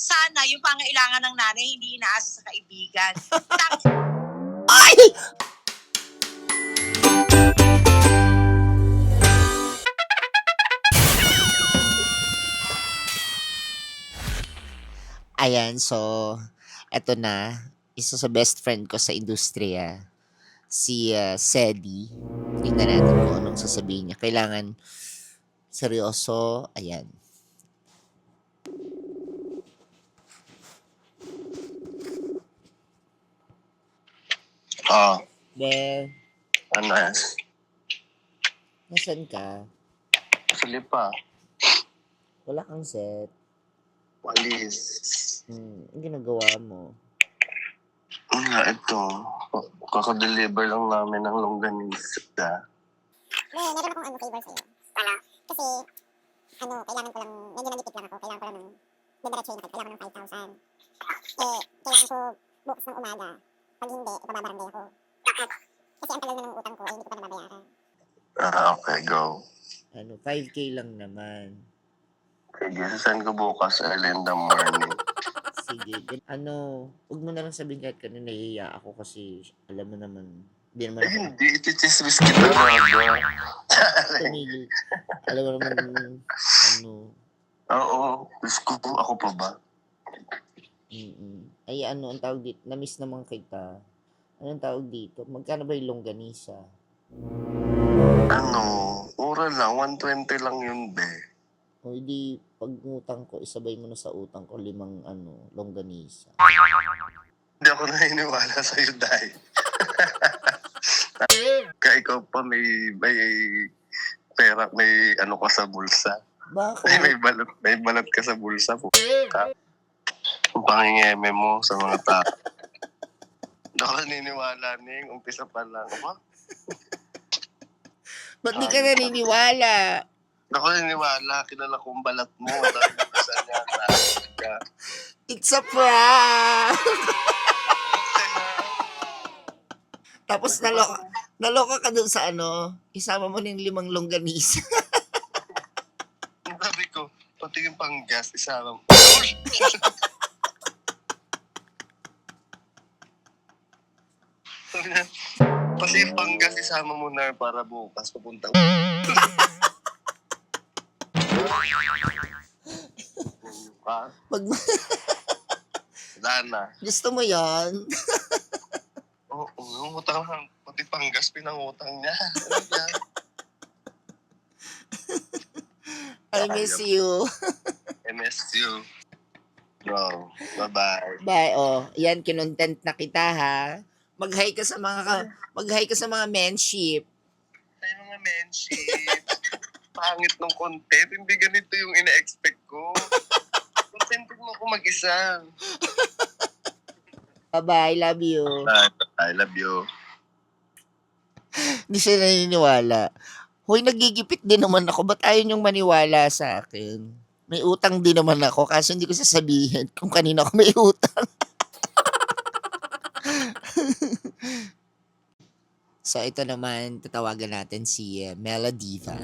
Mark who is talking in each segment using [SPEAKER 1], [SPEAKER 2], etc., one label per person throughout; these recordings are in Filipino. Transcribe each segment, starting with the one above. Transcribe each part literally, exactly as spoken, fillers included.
[SPEAKER 1] sana yung pangailangan ng nanay hindi inaasa sa kaibigan.
[SPEAKER 2] Ay! Ayan, so, eto na. Isa sa best friend ko sa industriya. Si uh, Sedi. Tingnan natin kung anong sasabihin niya. Kailangan seryoso. Ayan.
[SPEAKER 3] Oo.
[SPEAKER 2] Be,
[SPEAKER 3] Ano yan?
[SPEAKER 2] nasan ka?
[SPEAKER 3] Sili pa.
[SPEAKER 2] Wala kang set.
[SPEAKER 3] Walis.
[SPEAKER 2] Hmm, ang ginagawa mo?
[SPEAKER 3] Nga, ito. Kakadeliver lang namin ng longganisa.
[SPEAKER 4] May meron akong ano favor sa'yo. Ano? Kasi, ano, kailangan ko lang, medyo nalipit lang ako. Kailangan ko lang ng, didiretso na kailangan ko ng five thousand. Eh, kailangan ko bukas ng umaga. Pag hindi, ipababarangay ako. Okay. Kasi ang tagal na ng utang ko, eh, hindi ko pa nababayaran.
[SPEAKER 3] Ah, okay, go.
[SPEAKER 2] Ano, five K lang naman.
[SPEAKER 3] Sige, sasend ko bukas early in the morning.
[SPEAKER 2] Sige. gan- Ano, huwag mo na lang sabihin kahit kanina nahihiya ako kasi alam mo naman, hindi naman
[SPEAKER 3] Eh,
[SPEAKER 2] ako
[SPEAKER 3] hindi. Itichismis kita na ba?
[SPEAKER 2] tumigil. Alam mo naman, ano,
[SPEAKER 3] Oo. Diyos ko, ako pa ba?
[SPEAKER 2] mm ay ano, ang tawag dito, na-miss naman kita. Anong tawag dito? Magkano ba yung longganisa?
[SPEAKER 3] Ano, mura lang. one twenty lang yun, be.
[SPEAKER 2] O hindi, pag utang ko, isabay mo na sa utang ko limang ano, longganisa.
[SPEAKER 3] Hindi ako naniniwala sa'yo, dahil. Kaya ikaw pa may, may pera, may ano ka sa bulsa. Ay,
[SPEAKER 2] Bakit?
[SPEAKER 3] may balot, may balot ka sa bulsa po. Ang pangingeme mo sa mga tao. Hindi ako naniniwala ning umpisa pa lang. Aba,
[SPEAKER 2] Ba't di ka naniniwala?
[SPEAKER 3] hindi ako naniniwala. Kilala kong balat mo. Dahil umpisa niya na ka.
[SPEAKER 2] It's a prank! Tapos naloka, naloka ka dun sa ano, isama mo ng limang longganisa.
[SPEAKER 3] Sabi ko, pati yung pang gas, isama mo. Sabi niya, pati yung pang gas, isama mo na para bukas pupunta. Ah,
[SPEAKER 2] Pag
[SPEAKER 3] wala na.
[SPEAKER 2] gusto mo yan,
[SPEAKER 3] Oo, oh, yung utang lang. Pati pang gas, pinangutang niya. Ano yan?
[SPEAKER 2] I miss you.
[SPEAKER 3] M S U. Bro, bye-bye.
[SPEAKER 2] Bye, oh. Yan, kinontent na kita, ha? Mag-hi ka sa mga, ka- mag-hi ka sa mga menship.
[SPEAKER 3] Ay, mga menship. Pangit ng content. Hindi ganito yung ina-expect ko. Content mo ako mag-isa.
[SPEAKER 2] Bye-bye, love you.
[SPEAKER 3] I love you.
[SPEAKER 2] Hindi siya naniniwala. Hoy, nagigipit din naman ako. Ba't ayaw niyong maniwala sa akin? May utang din naman ako, kaso hindi ko sasabihin kung kanino ako may utang. So, ito naman, tatawagan natin si uh, Melodiva.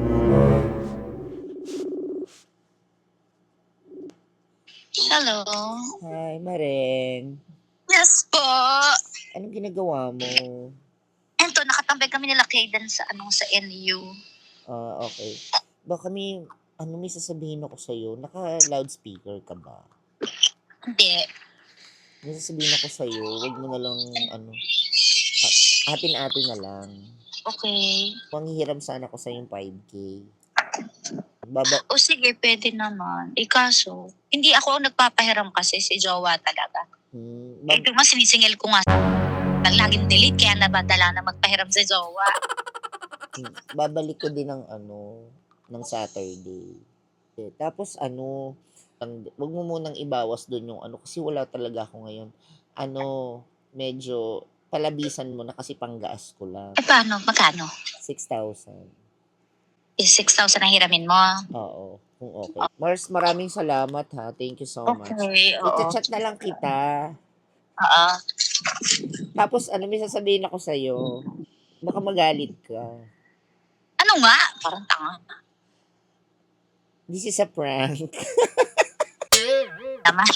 [SPEAKER 1] Hello.
[SPEAKER 2] Hi, Mareng.
[SPEAKER 1] Yes po.
[SPEAKER 2] Anong ginagawa mo?
[SPEAKER 1] Ento, nakatambay kami nila Kayden sa, ano, sa N U.
[SPEAKER 2] Ah, okay. Baka may, ano may sasabihin ako sa'yo? Naka-loudspeaker ka ba?
[SPEAKER 1] Hindi.
[SPEAKER 2] May sasabihin ako sa'yo, wag mo na lang, ano, a- atin-atin na lang.
[SPEAKER 1] Okay.
[SPEAKER 2] Manghihiram sana ako sa yung five K. Baba,
[SPEAKER 1] O sige, pwede naman. Eh kaso, hindi ako ang nagpapahiram kasi si Jowa talaga.
[SPEAKER 2] hmm,
[SPEAKER 1] Eh,
[SPEAKER 2] bab-
[SPEAKER 1] di ba sinisingil ko nga pag laging delete, kaya nabadala na magpahiram si Jowa.
[SPEAKER 2] hmm, babalik ko din ng ano, ng Saturday. Eh, tapos ano, ang, wag mo munang ibawas doon yung ano, kasi wala talaga ako ngayon. Ano, medyo, palabisan mo na kasi panggaas ko lang.
[SPEAKER 1] Eh paano? Magkano?
[SPEAKER 2] six thousand.
[SPEAKER 1] Eh, six thousand ang hiramin mo.
[SPEAKER 2] Oo, kung okay. Mars, maraming salamat ha. Thank you so much.
[SPEAKER 1] Okay, oo.
[SPEAKER 2] Ita-chat na lang kita.
[SPEAKER 1] Oo.
[SPEAKER 2] Tapos, ano may sasabihin ako sa'yo? Baka magalit ka.
[SPEAKER 1] Ano nga? Parang tanga.
[SPEAKER 2] This is a prank.
[SPEAKER 1] naman.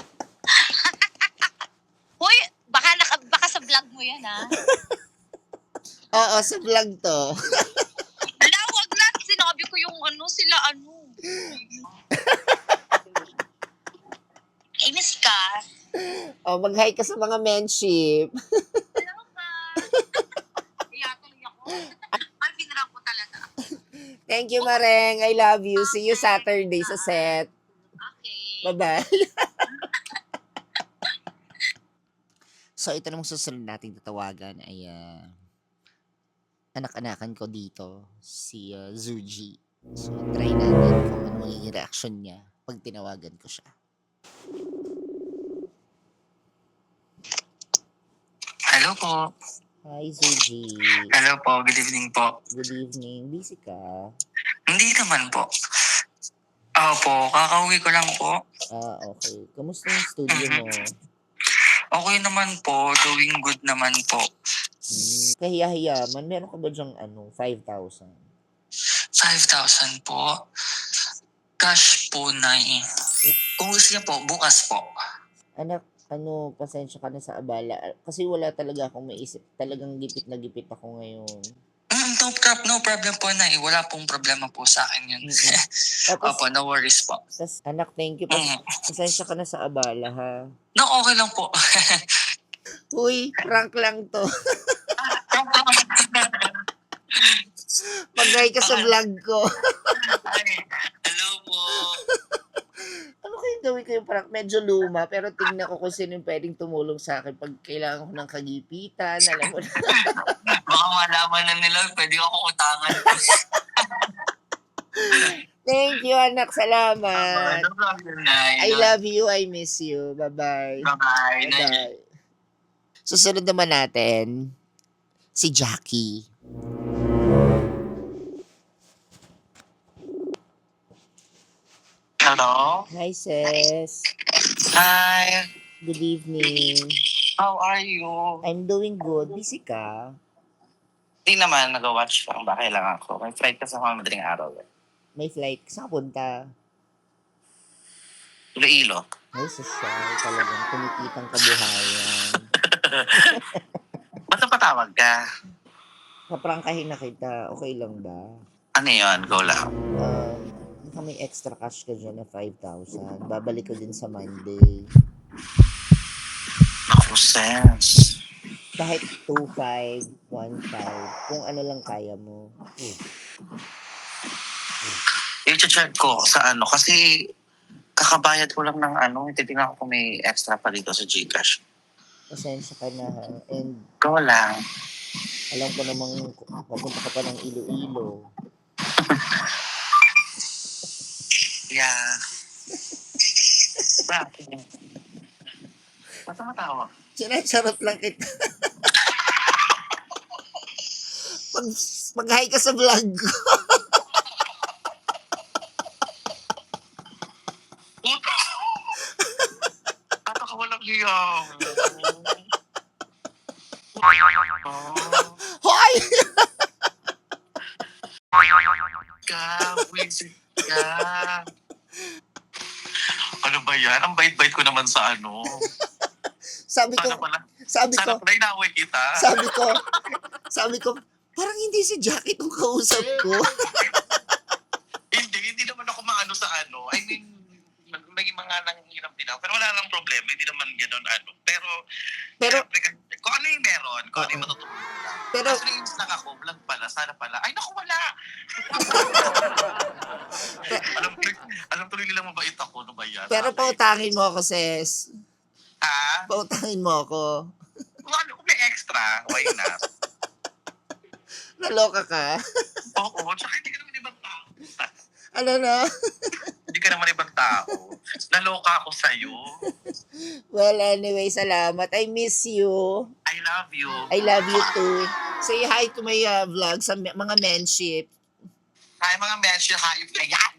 [SPEAKER 1] Hoy, baka, naka, baka sa vlog mo yan, ha?
[SPEAKER 2] Oo, sa vlog to.
[SPEAKER 1] Wala, wag na. Sinabi ko yung ano, sila ano. Inis ka.
[SPEAKER 2] Oh, mag-hi ka sa mga menship.
[SPEAKER 1] Hello ka. Iyatuloy ako. Ay, pinarang ko talaga.
[SPEAKER 2] Thank you, Mareng. I love you. See you Saturday sa set.
[SPEAKER 1] Okay.
[SPEAKER 2] Bye-bye. So, ito namang susunod nating tatawagan ay uh, anak-anakan ko dito, si uh, Zuji. So, try natin kung ano magiging reaction niya pag tinawagan ko siya.
[SPEAKER 5] Hello po.
[SPEAKER 2] Hi, Zuji.
[SPEAKER 5] Hello po. Good evening po.
[SPEAKER 2] Good evening. Busy ka?
[SPEAKER 5] Hindi naman po. Opo, kakauwi ko lang po.
[SPEAKER 2] Ah, okay. Kamusta yung studio mo?
[SPEAKER 5] Okay naman po. Doing good naman po.
[SPEAKER 2] Hmm, kahiya-hiyaman. Meron ka ba dyang ano, five thousand?
[SPEAKER 5] five thousand po. Cash po na eh. Kung gusto niya po, bukas po.
[SPEAKER 2] Anak, ano, pasensya ka na sa abala. Kasi wala talaga akong maisip. Talagang gipit na gipit ako ngayon.
[SPEAKER 5] Mm, no, pro- no problem po na eh. Wala pong problema po sa akin yun.
[SPEAKER 2] Mm-mm. Tapos,
[SPEAKER 5] Opo, no worries po.
[SPEAKER 2] tas, anak, thank you. Pas-
[SPEAKER 5] Mm.
[SPEAKER 2] pasensya ka na sa abala, ha?
[SPEAKER 5] No, okay lang po.
[SPEAKER 2] Uy, prank lang to. Mag-hi ka sa vlog ko.
[SPEAKER 5] Ay, hello po.
[SPEAKER 2] Ano kayong gawin ko yung prank? Medyo luma, pero tingnan ko kung sino yung pwedeng tumulong sa akin pag kailangan ko ng kagipitan. Alam mo na.
[SPEAKER 5] Baka malaman na nila, pwede ako utangan.
[SPEAKER 2] Thank you, anak. Salamat.
[SPEAKER 5] No problem na.
[SPEAKER 2] I love you. I miss you. Bye-bye.
[SPEAKER 5] Bye-bye.
[SPEAKER 2] Bye-bye. Susunod naman natin, si Jackie.
[SPEAKER 5] Hello?
[SPEAKER 2] Hi, sis.
[SPEAKER 5] Hi.
[SPEAKER 2] Good evening.
[SPEAKER 5] How are you?
[SPEAKER 2] I'm doing good. Busy ka?
[SPEAKER 5] Hindi naman, nag-watch lang. Bakit lang ako? May flight kasi ako madaling araw. eh.
[SPEAKER 2] May flight. Saan ka punta?
[SPEAKER 5] Iloilo.
[SPEAKER 2] Ay, sosyal. Talagang kumikitang kabuhayan.
[SPEAKER 5] Ba't napatawag ka?
[SPEAKER 2] Kaprangkahin na kita. Okay lang ba?
[SPEAKER 5] Ano yun? Go lang.
[SPEAKER 2] Um, baka may extra cash ka dyan na five thousand. Babalik ko din sa Monday.
[SPEAKER 5] Naku, sense.
[SPEAKER 2] Kahit two five, one five. Kung ano lang kaya mo. Eh,
[SPEAKER 5] I-check ko sa ano. Kasi kakabayad ko lang ng ano. Titingnan ko kung may extra pa dito sa Gcash.
[SPEAKER 2] pasensya ka na ha. And
[SPEAKER 5] Go lang.
[SPEAKER 2] alam ko namang papunta ka pa ng Iloilo.
[SPEAKER 5] Yeah. Bakit? Ba't tumatawa?
[SPEAKER 2] Sinasarap lang kita. Pag, mag-hi ka sa vlog ko.
[SPEAKER 5] Ato ka walang hiya.
[SPEAKER 2] Hoy!
[SPEAKER 5] Ka, wisit ka. Ano ba yan? Ang bait-bait ko naman sa ano.
[SPEAKER 2] Sabi ko,
[SPEAKER 5] Sana pala,
[SPEAKER 2] sabi ko,
[SPEAKER 5] sana pala inaway kita.
[SPEAKER 2] sabi ko, sabi ko, parang hindi si Jackie itong kausap ko.
[SPEAKER 5] Hindi, hindi naman ako maano sa ano. I mean, may mga nanghihirap din ako. Pero wala nang problema. Hindi naman gano'n ano. Pero,
[SPEAKER 2] Pero,
[SPEAKER 5] syempre, kung ano yung meron, kung ano yung matutulog lang.
[SPEAKER 2] pero,
[SPEAKER 5] Pero, Kaso lang ako, vlog pala, sana pala. Ay, naku, wala! alam tuloy, alam tuloy nilang mabait ako, ano ba yan?
[SPEAKER 2] pero pautangin mo ako, sis.
[SPEAKER 5] Ha?
[SPEAKER 2] Pautangin mo ako.
[SPEAKER 5] Kung ano, kung may extra, why not?
[SPEAKER 2] Naloka ka.
[SPEAKER 5] Oo, tsaka hindi ka naman ibang tao.
[SPEAKER 2] Ano na?
[SPEAKER 5] Hindi ka naman ibang tao. Naloka ako sa'yo.
[SPEAKER 2] Well, anyway, salamat. I miss you.
[SPEAKER 5] I love you.
[SPEAKER 2] I love you too. Say hi to my uh, vlog sa m- mga menship.
[SPEAKER 5] Hi, mga mention, hayop na yan.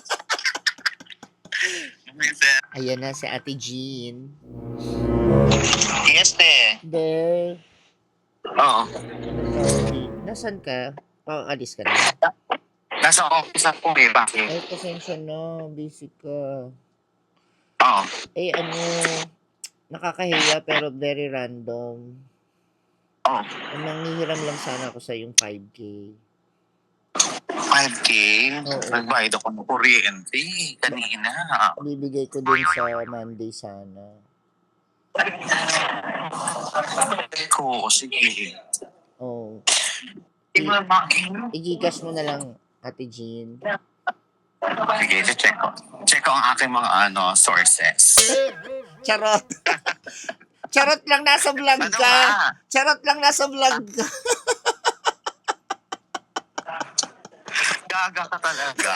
[SPEAKER 2] Ayan na si Ate Jean.
[SPEAKER 5] Yes, te.
[SPEAKER 2] There.
[SPEAKER 5] Oo.
[SPEAKER 2] Sorry. Nasaan ka? Pakakalis ka na.
[SPEAKER 5] Nasa office ako eh, bakit?
[SPEAKER 2] Ay, pasensya na. Busy ka.
[SPEAKER 5] Oo.
[SPEAKER 2] Eh, ano, nakakahiya pero very random.
[SPEAKER 5] Oo.
[SPEAKER 2] Ang manghihiram lang sana ako sa yung five K.
[SPEAKER 5] five K?
[SPEAKER 2] Oo.
[SPEAKER 5] Nagbayad ako ng kuryente kanina.
[SPEAKER 2] Bibigay ko din sa Monday sana.
[SPEAKER 5] Oo, sige.
[SPEAKER 2] Oh.
[SPEAKER 5] Tingnan mo.
[SPEAKER 2] I-Gcash mo na lang, Ate Jean.
[SPEAKER 5] Sige, check ko. Check ko ang aking mga ano sources.
[SPEAKER 2] Charot. Charot lang, nasa vlog
[SPEAKER 5] Ano
[SPEAKER 2] ka.
[SPEAKER 5] nga?
[SPEAKER 2] Charot lang, nasa vlog ka.
[SPEAKER 5] Gaga ka talaga.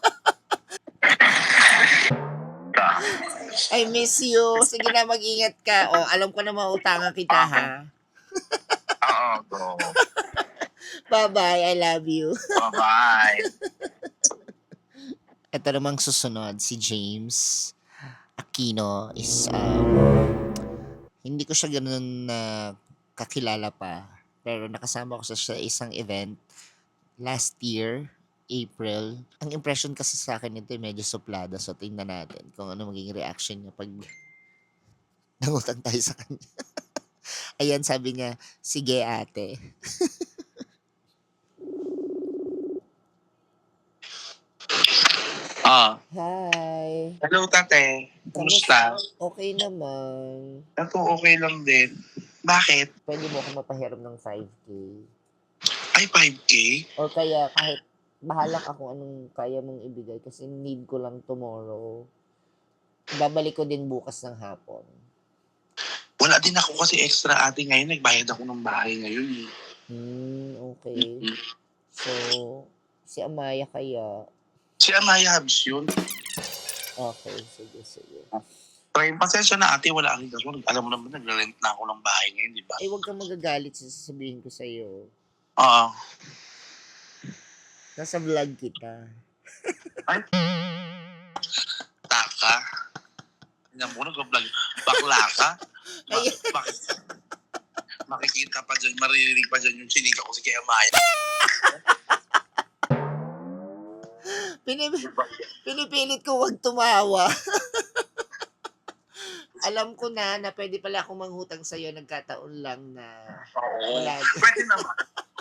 [SPEAKER 2] I miss you. Sige na, mag-ingat ka. O, alam ko na mautangan kita, ha?
[SPEAKER 5] Oo, go.
[SPEAKER 2] Bye-bye. I love you.
[SPEAKER 5] Bye-bye.
[SPEAKER 2] Ito namang susunod, si James Aquino is, um, hindi ko siya ganun na kakilala pa. Pero nakasama ko sa sa isang event last year, April. Ang impression kasi sa akin nito ay medyo suplada. So, tingnan natin kung ano magiging reaction niya pag nangutan tayo sa kanya. Ayan, sabi niya, sige ate.
[SPEAKER 5] Ah,
[SPEAKER 2] Hi.
[SPEAKER 5] hello tate. Kumusta?
[SPEAKER 2] Okay naman.
[SPEAKER 5] Ako okay lang din. Bakit?
[SPEAKER 2] Pwede mo ako mapahiram ng five K.
[SPEAKER 5] Ay, five K?
[SPEAKER 2] O kaya kahit bahala ka kung anong kaya mong ibigay kasi need ko lang tomorrow. Babalik ko din bukas ng hapon.
[SPEAKER 5] Wala din ako kasi extra ate ngayon. Nagbayad ako ng bahay ngayon.
[SPEAKER 2] Hmm, okay. So, si Amaya kaya.
[SPEAKER 5] Si Amaya Habs yun.
[SPEAKER 2] Okay, sige, sige.
[SPEAKER 5] Pero pasensya na ate, wala akong gasol. Alam mo naman, nagre-rent na ako ng bahay ngayon, di ba?
[SPEAKER 2] Ay, huwag kang magagalit sa sasabihin ko sa'yo.
[SPEAKER 5] Oo.
[SPEAKER 2] Nasa vlog kita.
[SPEAKER 5] Ay. Taka. Tingnan mo, nag-vlog. Bakla ka. Ma-
[SPEAKER 2] Ay.
[SPEAKER 5] bakit? Makikita pa dyan, maririnig pa dyan yung sinika ko si Kaya Amaya.
[SPEAKER 2] Pinip pinipilit ko wag tumawa. Alam ko na na pwede pala akong manghutang sa'yo. Nagkataon lang na
[SPEAKER 5] Oo.
[SPEAKER 2] wala.
[SPEAKER 5] Pwede naman.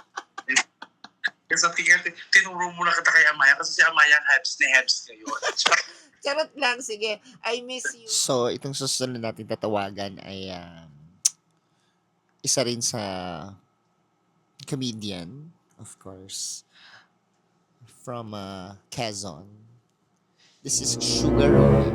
[SPEAKER 5] Kasi tingnan, tinuro mo na kita kay Amaya kasi si Amaya ang Habs ni Habs ngayon.
[SPEAKER 2] Charot lang, sige. I miss you. So, itong susunod natin tatawagan ay um, isa rin sa comedian, of course, from uh, Quezon. This is Sugar Ray.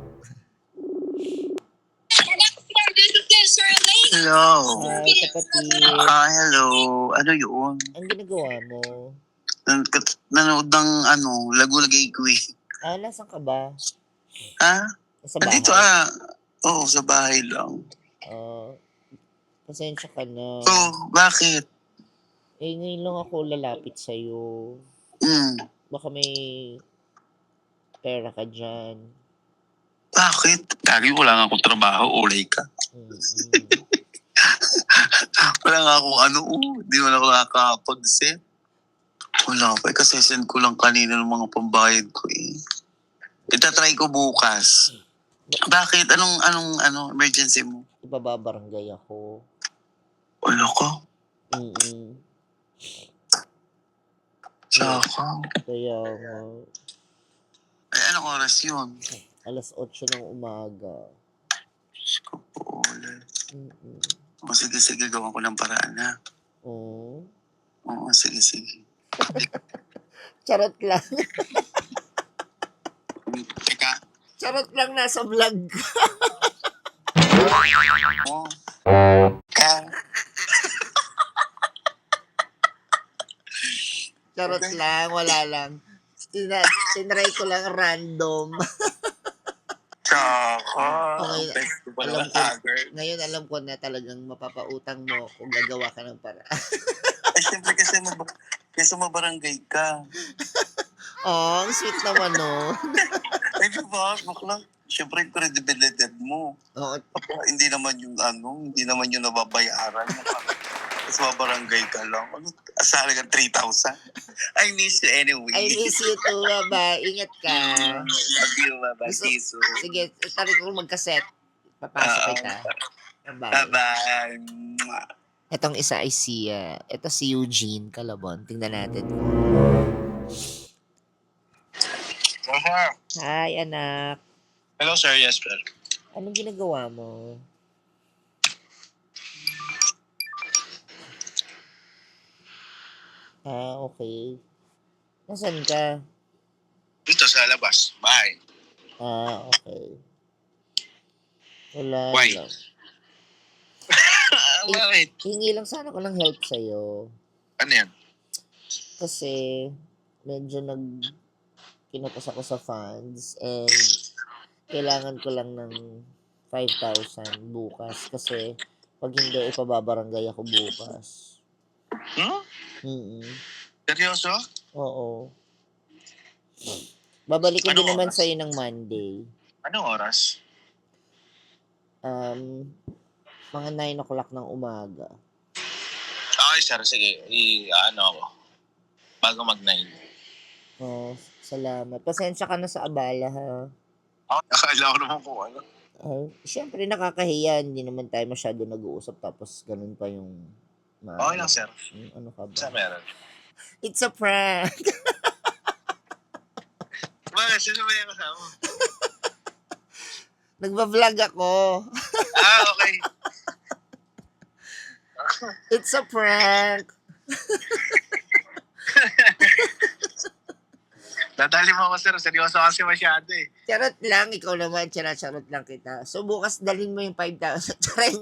[SPEAKER 5] Hello.
[SPEAKER 2] Hi, kapatid.
[SPEAKER 5] Ah, hello. Ano yun?
[SPEAKER 2] Ang ginagawa mo?
[SPEAKER 5] Nan- kat- Nanood ng ano, Lagulagay ko eh.
[SPEAKER 2] Ah, nasan ka ba?
[SPEAKER 5] Ha?
[SPEAKER 2] Sa bahay?
[SPEAKER 5] Andito ah. Oo, sa bahay lang.
[SPEAKER 2] Ah, pasensya ka na.
[SPEAKER 5] Oh, bakit?
[SPEAKER 2] Eh, ngayon lang ako lalapit sa'yo.
[SPEAKER 5] Hmm.
[SPEAKER 2] Baka may pera ka dyan.
[SPEAKER 5] Bakit? Lagi wala nga akong trabaho, ulay ka.
[SPEAKER 2] Mm-mm.
[SPEAKER 5] Wala nga akong ano, oh, di mo na ako nakakapag-set. Wala pa, eh, kasi send ko lang kanina ng mga pambayad ko eh. Itatry ko bukas. Bakit? Anong, anong, ano, emergency mo?
[SPEAKER 2] Ibababarangay ako.
[SPEAKER 5] Wala ka.
[SPEAKER 2] Mm-mm.
[SPEAKER 5] Saka.
[SPEAKER 2] Kaya nga,
[SPEAKER 5] Ay, anong oras yun?
[SPEAKER 2] alas otso ng umaga.
[SPEAKER 5] Diyos ko po, ulit.
[SPEAKER 2] Mm-mm.
[SPEAKER 5] O, sige, sige, gawan ko ng paraan ha.
[SPEAKER 2] Oh.
[SPEAKER 5] Oo, sige, sige.
[SPEAKER 2] Charot lang.
[SPEAKER 5] Teka.
[SPEAKER 2] Charot lang, nasa vlog.
[SPEAKER 5] Oh. Ka.
[SPEAKER 2] Charot
[SPEAKER 5] Okay.
[SPEAKER 2] lang, wala lang. Tina tinry ko lang random.
[SPEAKER 5] Tsaka.
[SPEAKER 2] Okay,
[SPEAKER 5] Thanks ko pala
[SPEAKER 2] alam
[SPEAKER 5] ng
[SPEAKER 2] ko,
[SPEAKER 5] agad.
[SPEAKER 2] ngayon alam ko na talagang mapapautang mo kung gagawa ka ng para.
[SPEAKER 5] Ay, siyempre kasi mab- kasi mabarangay ka.
[SPEAKER 2] Oh, ang sweet naman, no?
[SPEAKER 5] Ay, diba? Bakla. Siyempre, yung credibility mo.
[SPEAKER 2] Oo,
[SPEAKER 5] Hindi naman yung ano, hindi naman yung nababayaran. Tapos mabarangay ka lang. Ano? Asala ka three thousand? I miss you anyway.
[SPEAKER 2] I miss you too, baba. Ingat ka.
[SPEAKER 5] Love you, baba.
[SPEAKER 2] Gusto-
[SPEAKER 5] See you soon.
[SPEAKER 2] Sige, tarik ko magkaset. Papasok
[SPEAKER 5] Oo.
[SPEAKER 2] kita. Bye-bye.
[SPEAKER 5] Bye-bye. Mwah.
[SPEAKER 2] Etong isa ay si, uh, ito si Eugene Calabon. Tingnan natin.
[SPEAKER 3] Uh-huh.
[SPEAKER 2] Hi, anak.
[SPEAKER 3] Hello, sir. Yes, sir.
[SPEAKER 2] Anong ginagawa mo? Ah, okay. Nasaan ka?
[SPEAKER 3] Dito sa labas. Bye.
[SPEAKER 2] Ah, okay. Wala
[SPEAKER 3] Why?
[SPEAKER 2] lang.
[SPEAKER 3] Ah, bakit?
[SPEAKER 2] Hingi lang sana ko ng help sa'yo.
[SPEAKER 3] Ano yan?
[SPEAKER 2] Kasi, medyo nag kinatas ako sa funds and kailangan ko lang ng five thousand bukas kasi pag hindi, ipababarangay ako bukas.
[SPEAKER 3] Hmm?
[SPEAKER 2] Mm
[SPEAKER 3] Seryoso?
[SPEAKER 2] Oo. Babalik ko
[SPEAKER 3] Anong
[SPEAKER 2] din naman
[SPEAKER 3] oras?
[SPEAKER 2] sa'yo ng Monday.
[SPEAKER 3] Anong oras?
[SPEAKER 2] Um, mga nine o'clock ng umaga.
[SPEAKER 3] Okay, sir. Sige. I, ano ako. Bago mag-nine.
[SPEAKER 2] Oh, salamat. Pasensya ka na sa abala, ha?
[SPEAKER 3] Oh, akala ko naman kung ano.
[SPEAKER 2] Ay, syempre nakakahiya. Hindi naman tayo masyado nag-uusap tapos ganun pa yung... ma-
[SPEAKER 3] Okay lang, sir.
[SPEAKER 2] Hmm, ano ka ba?
[SPEAKER 3] Sa meron.
[SPEAKER 2] It's a prank!
[SPEAKER 3] Bakit? Sino ba yung kasama?
[SPEAKER 2] Nagba-vlog ako.
[SPEAKER 3] Ah, okay.
[SPEAKER 2] It's a prank!
[SPEAKER 3] Nadali mo ako, sir. Seryoso kasi masyado eh.
[SPEAKER 2] Charot lang, ikaw naman, charot lang kita. So bukas dalhin mo yung five thousand. Charing.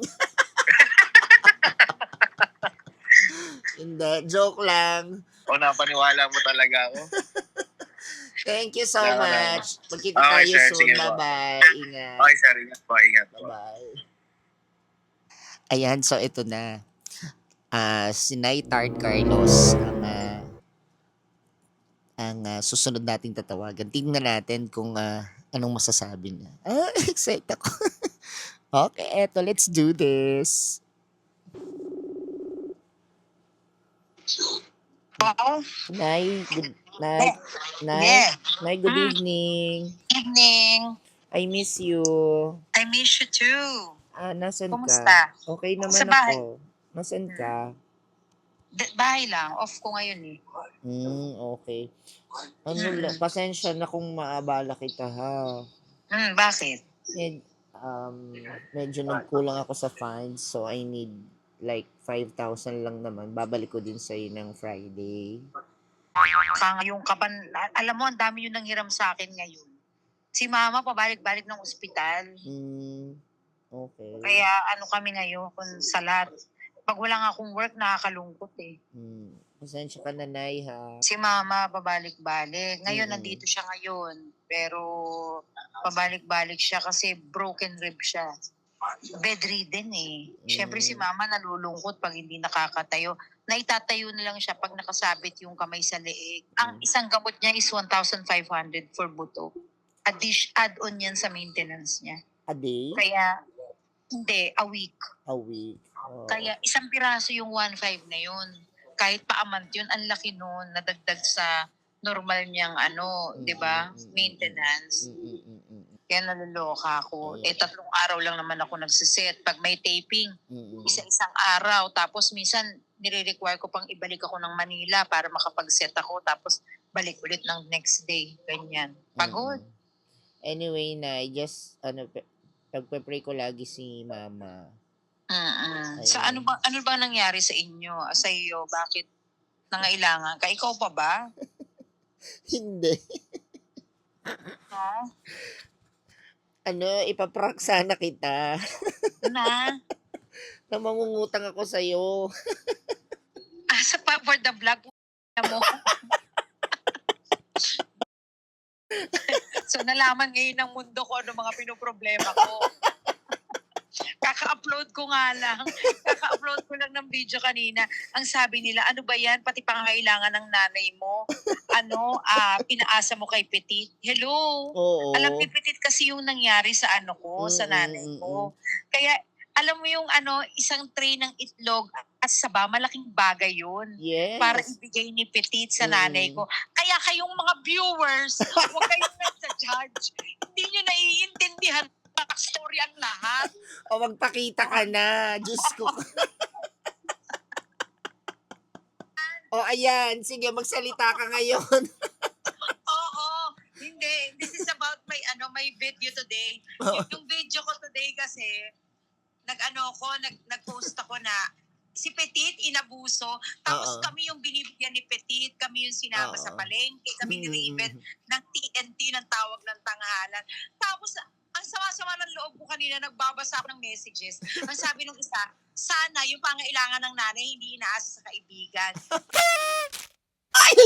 [SPEAKER 2] Hindi, joke lang.
[SPEAKER 3] O, napaniwala mo talaga ako.
[SPEAKER 2] Thank you so
[SPEAKER 3] Wala, wala.
[SPEAKER 2] much. Magkita
[SPEAKER 3] Okay,
[SPEAKER 2] tayo
[SPEAKER 3] sir.
[SPEAKER 2] soon.
[SPEAKER 3] Sige po.
[SPEAKER 2] Bye-bye. Ingat.
[SPEAKER 3] Okay, sir. Ingat po. Ingat po.
[SPEAKER 2] Bye. Ayan, so ito na. Ah, si Naitard Carlos ang ah, ang ah, susunod nating tatawagan. Tingnan natin kung ah, anong masasabi niya. Ah, excited ako. Okay, eto, let's do this.
[SPEAKER 1] Oo.
[SPEAKER 2] Nay, good night. Nay,
[SPEAKER 1] Yeah.
[SPEAKER 2] Nay, good
[SPEAKER 1] Mm.
[SPEAKER 2] evening.
[SPEAKER 1] Evening.
[SPEAKER 2] I miss you.
[SPEAKER 1] I miss you too.
[SPEAKER 2] Ah, nasan
[SPEAKER 1] Kumusta?
[SPEAKER 2] ka? Okay naman
[SPEAKER 1] Sa bahay.
[SPEAKER 2] ako. Nasan ka?
[SPEAKER 1] D- bahay lang. Off ko ngayon eh.
[SPEAKER 2] Hmm, okay. Ano lang, pasensya na kung maabala kita ha.
[SPEAKER 1] Hmm, bakit?
[SPEAKER 2] Med, um, medyo nagkulang ako sa funds, so I need like five thousand lang naman. Babalik ko din sa'yo ng Friday.
[SPEAKER 1] Ka yung kaban, alam mo, ang dami yung nanghiram sa akin ngayon. Si mama pabalik-balik ng ospital.
[SPEAKER 2] Hmm, okay.
[SPEAKER 1] Kaya ano kami ngayon kung sa lahat. Pag wala nga akong work, nakakalungkot eh.
[SPEAKER 2] Hmm, pasensya ka na, Nay, ha.
[SPEAKER 1] Si mama pabalik-balik. Ngayon,
[SPEAKER 2] Mm.
[SPEAKER 1] nandito siya ngayon. Pero pabalik-balik siya kasi broken rib siya. Bedridden eh. Siyempre si mama nalulungkot pag hindi nakakatayo. Naitatayo na lang siya pag nakasabit yung kamay sa leeg. Ang
[SPEAKER 2] Mm.
[SPEAKER 1] isang gamot niya is one thousand five hundred for buto. Addish, add-on yan sa maintenance niya.
[SPEAKER 2] A day?
[SPEAKER 1] Kaya, hindi, a week.
[SPEAKER 2] A week? Oh.
[SPEAKER 1] Kaya isang piraso yung one five na yun. Kahit pa amount yun, ang laki nun, nadagdag sa normal niyang ano,
[SPEAKER 2] Mm,
[SPEAKER 1] di ba?
[SPEAKER 2] mm, mm,
[SPEAKER 1] Maintenance.
[SPEAKER 2] Mm, mm, mm, mm,
[SPEAKER 1] Kaya naloloka ako.
[SPEAKER 2] Ayan.
[SPEAKER 1] Eh, tatlong araw lang naman ako nagsiset. Pag may taping,
[SPEAKER 2] mm, mm.
[SPEAKER 1] isa-isang araw. Tapos minsan, nire-require ko pang ibalik ako ng Manila para makapag-set ako. Tapos, balik ulit ng next day. Ganyan. Pagod.
[SPEAKER 2] Mm-mm. Anyway, na just ano pe- pagpe-pray ko lagi si mama.
[SPEAKER 1] Mm-mm. Sa
[SPEAKER 2] Ayun.
[SPEAKER 1] ano ba ano ba nangyari sa inyo? Sa iyo, bakit nangailangan ka? Ikaw pa ba?
[SPEAKER 2] Hindi.
[SPEAKER 1] No?
[SPEAKER 2] Ano, ipaprank sana kita.
[SPEAKER 1] Na?
[SPEAKER 2] Na mangungutang ako sa'yo.
[SPEAKER 1] Ah, sa pa for the vlog mo. So nalaman ngayon ng mundo ko ano mga pinoproblema ko. Kaka-upload ko nga lang. Kaka-upload ko lang ng video kanina. Ang sabi nila, ano ba yan? Pati pangangailangan ng nanay mo. Ano, ah, pinaasa mo kay Petit. Hello?
[SPEAKER 2] Oo.
[SPEAKER 1] Alam ni Petit kasi yung nangyari sa ano ko, sa
[SPEAKER 2] Mm,
[SPEAKER 1] nanay
[SPEAKER 2] mm,
[SPEAKER 1] ko. Kaya alam mo yung ano, isang tray ng itlog at saba, malaking bagay yun.
[SPEAKER 2] Yes.
[SPEAKER 1] Para ibigay ni Petit sa nanay
[SPEAKER 2] Mm.
[SPEAKER 1] ko. Kaya kayong mga viewers, huwag kayong nagsa-judge. Hindi nyo naiintindihan backstory ang lahat.
[SPEAKER 2] O magpakita ka na. Diyos ko. O ayan, sige, magsalita ka ngayon.
[SPEAKER 1] Oo. Hindi. This is about my ano my video today. Yung, yung video ko today kasi, nag-ano ko, nag, nag-post ako na si Petit inabuso, tapos
[SPEAKER 2] Oo.
[SPEAKER 1] kami yung binibigyan ni Petit, kami yung sinama
[SPEAKER 2] Oo.
[SPEAKER 1] sa palengke, kami ni
[SPEAKER 2] Mm.
[SPEAKER 1] Raven ng T N T ng tawag ng tanghalan. Tapos, ang sama-sama ng loob ko kanina, nagbabasa ako ng messages. Ang sabi nung isa, sana yung pangailangan ng nanay hindi inaasa sa kaibigan.
[SPEAKER 2] Ay!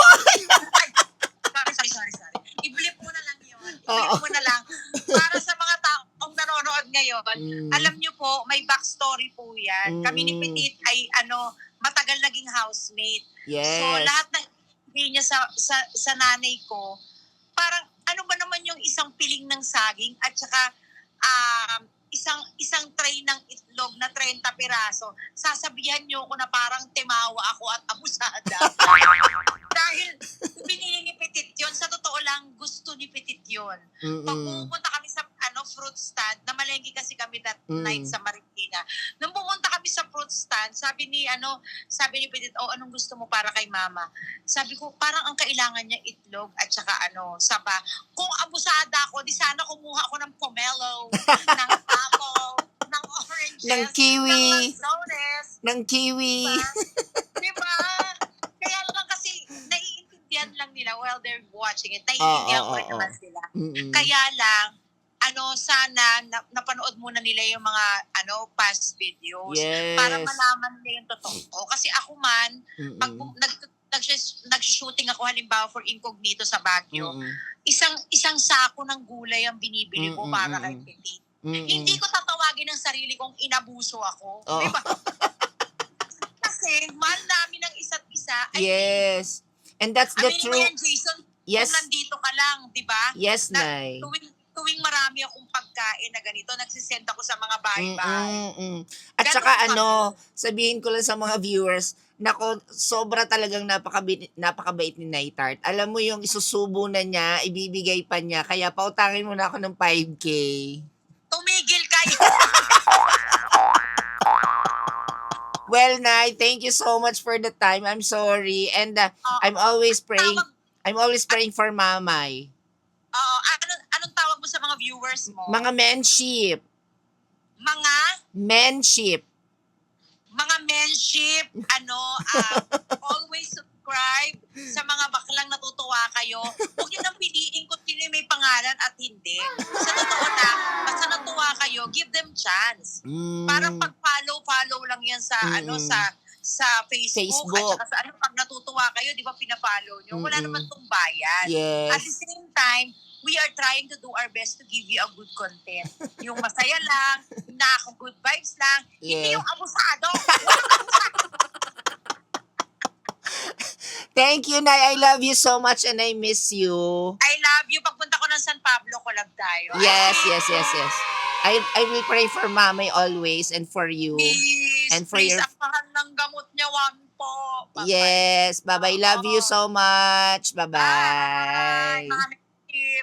[SPEAKER 1] Sorry, sorry, sorry, sorry. I-blip mo na lang yun. I-blip
[SPEAKER 2] Oo.
[SPEAKER 1] mo na lang. Para sa mga taong nanonood ngayon,
[SPEAKER 2] Mm.
[SPEAKER 1] alam niyo po, may backstory po yan. Kami ni
[SPEAKER 2] Mm.
[SPEAKER 1] Petit ay ano, matagal naging housemate.
[SPEAKER 2] Yes.
[SPEAKER 1] So lahat ng ibigay niya sa, sa, sa nanay ko, parang ano ba naman yung isang piling ng saging at saka um, isang isang tray ng itlog na thirty piraso, sasabihan niyo ko na parang timawa ako at abusada. Dahil binili ni Petit yun, sa totoo lang, gusto ni Petit yun. Pag
[SPEAKER 2] Mm-mm.
[SPEAKER 1] pumunta kami sa ano fruit stand, namalengke kasi kami that
[SPEAKER 2] Mm.
[SPEAKER 1] night sa Marikina. Nung pumunta kami sa fruit stand, sabi ni ano, sabi ni Petit, oh, anong gusto mo para kay mama? Sabi ko, parang ang kailangan niya itlog at saka ano, saba. Kung abusada ako, di sana kumuha ako ng pomelo, ng apple, ng oranges,
[SPEAKER 2] Ng kiwi.
[SPEAKER 1] ng lanzones,
[SPEAKER 2] Ng kiwi.
[SPEAKER 1] di ba? Kaya lang kasi, naiintindihan lang nila while they're watching it. Naiintindihan
[SPEAKER 2] Oo,
[SPEAKER 1] ko
[SPEAKER 2] oo,
[SPEAKER 1] rin naman
[SPEAKER 2] oo.
[SPEAKER 1] sila.
[SPEAKER 2] Mm-mm.
[SPEAKER 1] Kaya lang, ano, sana na, napanood muna nila yung mga ano past videos
[SPEAKER 2] Yes.
[SPEAKER 1] para malaman nila yung totoo. Kasi ako man, pag
[SPEAKER 2] Mm-mm.
[SPEAKER 1] nag, nag, nag-shooting ako halimbawa for Incognito sa Baguio,
[SPEAKER 2] Mm-mm.
[SPEAKER 1] isang isang sako ng gulay ang binibili ko
[SPEAKER 2] Mm,
[SPEAKER 1] para
[SPEAKER 2] mm,
[SPEAKER 1] kay
[SPEAKER 2] mm.
[SPEAKER 1] Petit.
[SPEAKER 2] Mm-mm.
[SPEAKER 1] Hindi ko tatawagin ng sarili kong inabuso ako.
[SPEAKER 2] Oo.
[SPEAKER 1] Di ba? Kasi mahal namin ang isa't isa. I mean,
[SPEAKER 2] Yes. And that's the
[SPEAKER 1] aminin mo
[SPEAKER 2] true.
[SPEAKER 1] yan, Jason,
[SPEAKER 2] Yes.
[SPEAKER 1] kung nandito ka lang, di ba?
[SPEAKER 2] Yes,
[SPEAKER 1] Na,
[SPEAKER 2] Nay.
[SPEAKER 1] tuwing, tuwing marami akong pagkain na ganito, nagsisend ako sa mga bahay-bahay.
[SPEAKER 2] Mm-mm. At
[SPEAKER 1] Ganun
[SPEAKER 2] saka
[SPEAKER 1] kami.
[SPEAKER 2] ano, sabihin ko lang sa mga viewers, nako, sobra talagang napakabait, napakabait ni Naitart. Alam mo yung isusubo na niya, ibibigay pa niya, kaya pautangin mo na ako ng five K.
[SPEAKER 1] Tumigil kayo!
[SPEAKER 2] Well, Nay, thank you so much for the time. I'm sorry. And uh,
[SPEAKER 1] Oo.
[SPEAKER 2] I'm always praying,
[SPEAKER 1] Tawag,
[SPEAKER 2] I'm always praying for Mamay.
[SPEAKER 1] oo, anong, anong tawag mo sa mga viewers mo?
[SPEAKER 2] Mga menship.
[SPEAKER 1] Mga,
[SPEAKER 2] Menship.
[SPEAKER 1] mga menship, ano, ah, always subscribe sa mga baklang natutuwa kayo. Huwag yun ang piliin kung sino yung may pangalan at hindi. Sa totoo lang, basta natuwa kayo, give them chance.
[SPEAKER 2] Mm.
[SPEAKER 1] Parang pag-follow-follow lang yan sa
[SPEAKER 2] Mm-mm.
[SPEAKER 1] ano sa sa Facebook,
[SPEAKER 2] Facebook.
[SPEAKER 1] at saka sa ano, pag natutuwa kayo, di ba pinapollow nyo? Wala
[SPEAKER 2] Mm-mm.
[SPEAKER 1] naman tong bayan. At the
[SPEAKER 2] Yes.
[SPEAKER 1] same time, we are trying to do our best to give you a good content. Yung masaya lang, yung nakaka-good vibes lang, hindi
[SPEAKER 2] Yeah.
[SPEAKER 1] yung abusado.
[SPEAKER 2] Thank you, Nay. I love you so much and I miss you.
[SPEAKER 1] I love you. Pagpunta ko ng San Pablo, collab tayo.
[SPEAKER 2] Yes, yes, yes, yes. I I will pray for Mamay always and for you.
[SPEAKER 1] Please,
[SPEAKER 2] And for
[SPEAKER 1] please,
[SPEAKER 2] your-
[SPEAKER 1] ang mahal ng gamot niya, wag po. Bye-bye.
[SPEAKER 2] Yes. Bye-bye. Love you so much.
[SPEAKER 1] Bye.
[SPEAKER 2] Bye-bye.
[SPEAKER 1] Mga tip.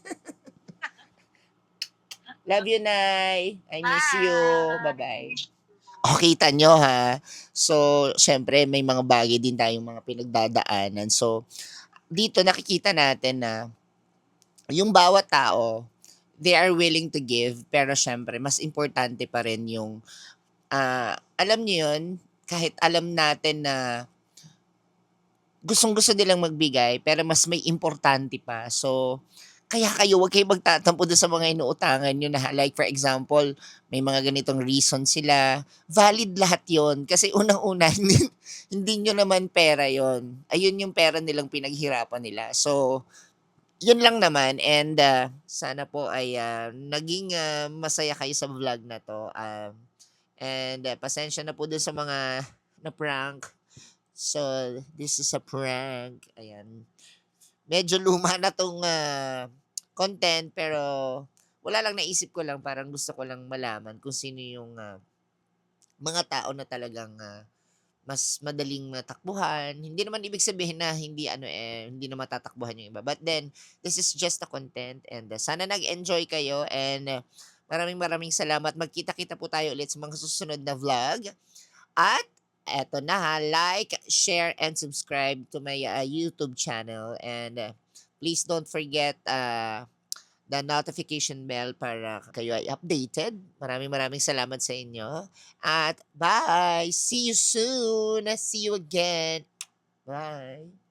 [SPEAKER 2] Love you, Nay. I miss
[SPEAKER 1] Bye.
[SPEAKER 2] you. Bye-bye. O, kita nyo ha. So, syempre, may mga bagay din tayong mga pinagdadaanan. So, dito nakikita natin na yung bawat tao, they are willing to give. Pero syempre, mas importante pa rin yung, ah, alam nyo yun, kahit alam natin na gustong-gusto nilang magbigay, pero mas may importante pa. So, kaya kayo, huwag kayo magtatampo doon sa mga inuutangan nyo na, like for example, may mga ganitong reason sila. Valid lahat yon. Kasi unang-una, hindi, hindi nyo naman pera yon. Ayun yung pera nilang pinaghirapan nila. So, yun lang naman. And uh, sana po ay uh, naging uh, masaya kayo sa vlog na to. Um, and uh, pasensya na po doon sa mga na-prank. So, this is a prank. Ayan. Medyo luma na tong uh, content pero wala lang, naisip ko lang, parang gusto ko lang malaman kung sino yung ah, mga tao na talagang ah, mas madaling matakbuhan. Hindi naman ibig sabihin na hindi ano eh, hindi na matatakbuhan yung iba. But then, this is just the content and uh, sana nag-enjoy kayo and uh, maraming maraming salamat. Magkita-kita po tayo ulit sa mga susunod na vlog. At eto na ha, like, share, and subscribe to my uh, YouTube channel. And uh, please don't forget uh, the notification bell para kayo ay updated. Maraming maraming salamat sa inyo. At bye! See you soon! See you again! Bye!